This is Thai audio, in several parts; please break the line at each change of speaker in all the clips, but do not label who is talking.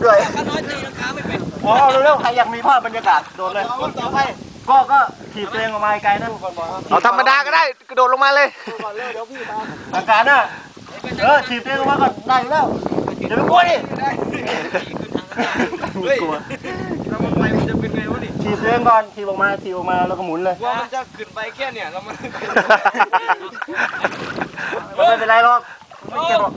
ด้วย
น้อยตีลังกาไม่เป็น
อ๋อเร็วๆใครอยากมีภาพบรรยากาศโดดเลยก็ถีบตัวเองออกมาไกลนะ
เอาธรรมดาก็ได้กระโดดลงมาเลย
อาการน่ะถีบตัวเองออกมาก่อนได้อยู่แล้วอย่าไปกลัวดิ
กลัวแล้วมันไปมันจะเป็นไงวะนี่
ถีบตัวเองก่อนถีบออกมาแล้วก็หมุนเลย
ว่ามันจะขึ้นไปแค่เนี่ยแล้วมัน
ไม่เป็นไรหรอกไม่เจ็บหรอก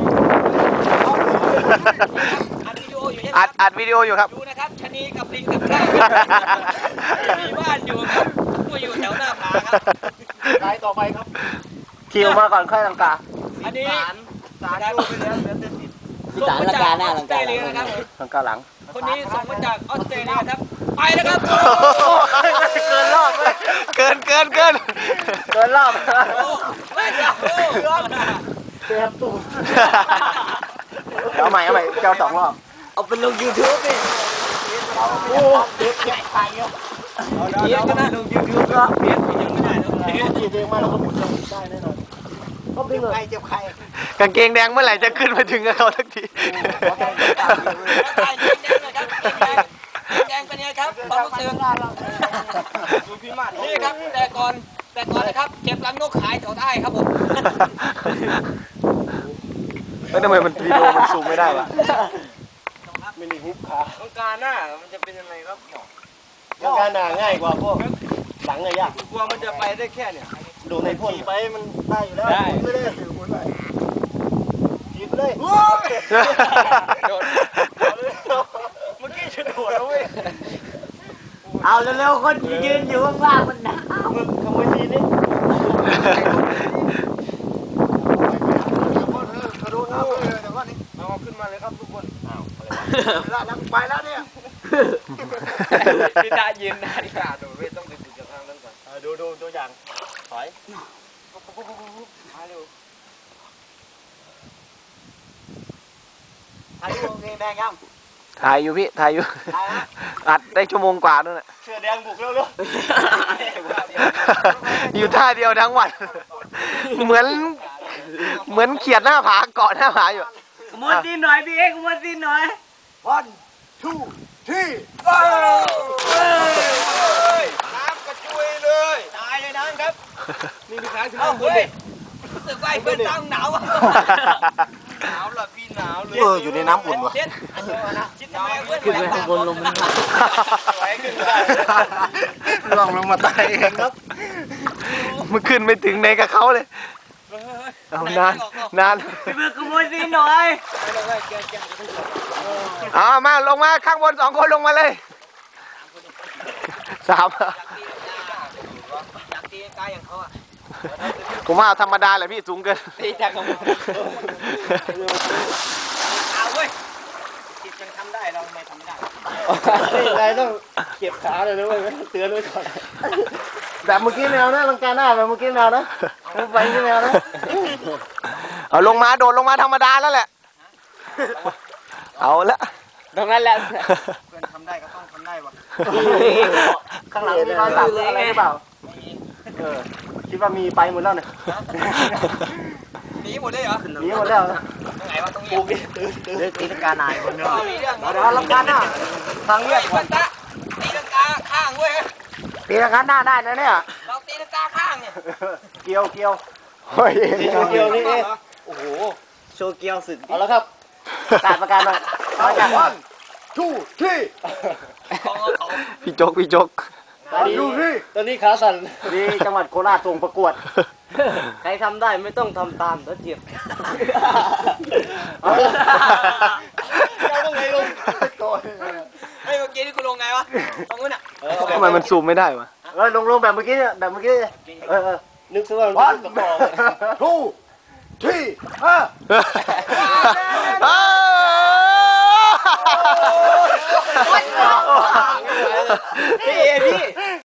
อัดวิดีโออยู่ครับ
ดูนะครับชะนีกับลิงกับข้าวมีบ้านอยู่ครับกูอยู่แถวหน้าผาครับ
ไปต่อไปครับถีบออกมาก่อนค่อยลังกา
อันนี้สารดูไปแล้วเหลือแต่ติด
สารลังกาหน้าลังกา
นะครับ
ลังกาหลัง
คนนี้ส่งมาจากออสเตรเลียครับไปนะครับ
เกินรอบเลย
เกิน
รอบ
ไม่เกือบ
เต็มตู้เอาใหม่เจ้า2 รอบ
เอาเป็นลง YouTube ดิ
โอ้เด็กใหญ่ไปเยอะ
เยอะก็น่าลง YouTube ก็เปลี่ยนยังไม่ได้แล้ว
ถีบเองมาแล้วก็หมุนได้แน่นอนก็ดึงเลยเจ็บใคร
กางเกงแดงเมื่อไหร่จะขึ้นมาถึงกับเขาสักที
แดงเป็นไงครับความรู้สึกนี่ครับแต่ก่อนนะครับเก็บรังนกขายแถวใต้ครับผม
ทำไมมันวิดีโอมันซูมไม่ได้วะ
ไม่ได้ฮุบขา
ต้องการหน้ามันจะเป็นยังไงครับ
ต้องการหน้าง่ายกว่าพวกหลังเลยยาก
กลัวมันจะไปได้แค่เนี่ย
ดูในพ่นไปมันได้อยู่แล้วไม่ได้ถือหมุนไปหยิบเลย
โดดเมื่อกี้ฉันโดดแล้วเว้ย
เอาเร็วๆคนยืนอยู่ว่างๆมันหนาว
ขโมยทีนี่
เอาขึ้นมาเลยครับทุกคน
แล้วไปแล้วเนี่ย
พี่ตายืนหน้าดิค่ะดูไม่ต้องติดกับทางนั้นก่อน
ดูตัวอย่างถอย
มาเร็ว
ถ่ายรูปแดงยัง
ถ่ายอยู่พี่ถ่ายอยู่อัดได้1 ชั่วโมงกว่าด้วยนะ
เสื้อแดงบุกเร็ว
อยู่ท่าเดียวทั้งวันเหมือนเขียดหน้าผาเกาะหน้าผาอยู่
มุดดินหน่อยพี่เอ็กมุดดินหน่อย
1 2 3
น้ำกระจุยเลยตายเลยนะครับนี่มีขาถึงเฮ้ยรู้สึกว่าเพื่อนตั้งหนาวหนาวเหรอพี่หนาวเลย
อยู่ในน้ำอุ่นวะ
ชิดทำไมเพื่อน
ขึ้นไปข้างบนลงมัน
ล่วงลงมาตายเองครับ
มันขึ้นไม่ถึงในกับเขาเลยเอานาน
พี่เบิร์กมุดดินหน่อย
มาลงมาข้างบน2 คนลงมาเลย3
อยากตีกายอย่างเขาอ่ะ
ผมว่าธรรมดาแหละพี่สูงเกิน
ตีจากของเอาเว้ยคิดยังทำได้เราไม่ทำไม่ได้
อะไรต้องเก็บขาเลยนะเว้ยเตือนไว้ก่อนแบบเมื่อกี้แมวนะลังกาหน้าแบบเมื่อกี้แมวนะไปที่แมวนะ
เอาลงมาโดดลงมาธรรมดาแล้วแหละเอาละ
ตรงนั้นแหละ
เพื่อนทำได้ก็ต้องทำได้วะ
ข้างหลังมีรอยสักอะไรหรือเปล่าคิดว่ามีไปหมดแล้วเนี่ย
หนีหมดเลยเหรอ
หนีหมดแล้ว
ตรงไหนวะตรงนี้
ตีลังกาหนายคนเดียว
มีเรื่อง
เดี๋ยวลังกาหน้าทางเรียก
คนตะตีลังกาข้างเว้ย
ตีลังกาหน้าได้นะเนี่ย
เราตีลังกาข้างเนี่ย
เกี่ยว
เฮ้ย
โชว์เกี่ยวนี่เอง
โอ้โห
โชว์เกียวสุด
เอาแล้วครับประกาศมา1 2 3
พี่จก
ดูสิตอนนี้ขาสั่นนี่จังหวัดโคราชส่งประกวด
ใครทำได้ไม่ต้องทำตามแล้วเจ็บ
เราต้องไงลง
เฮ้ยเมื่อกี้นี่กูลงไงวะตรงนู้นอ่ะ
ทำไมมันซูมไม่ได้วะ
ลงแบบเมื่อกี้แบบเมื่อกี้นึกซะว่า1 2 3
พี่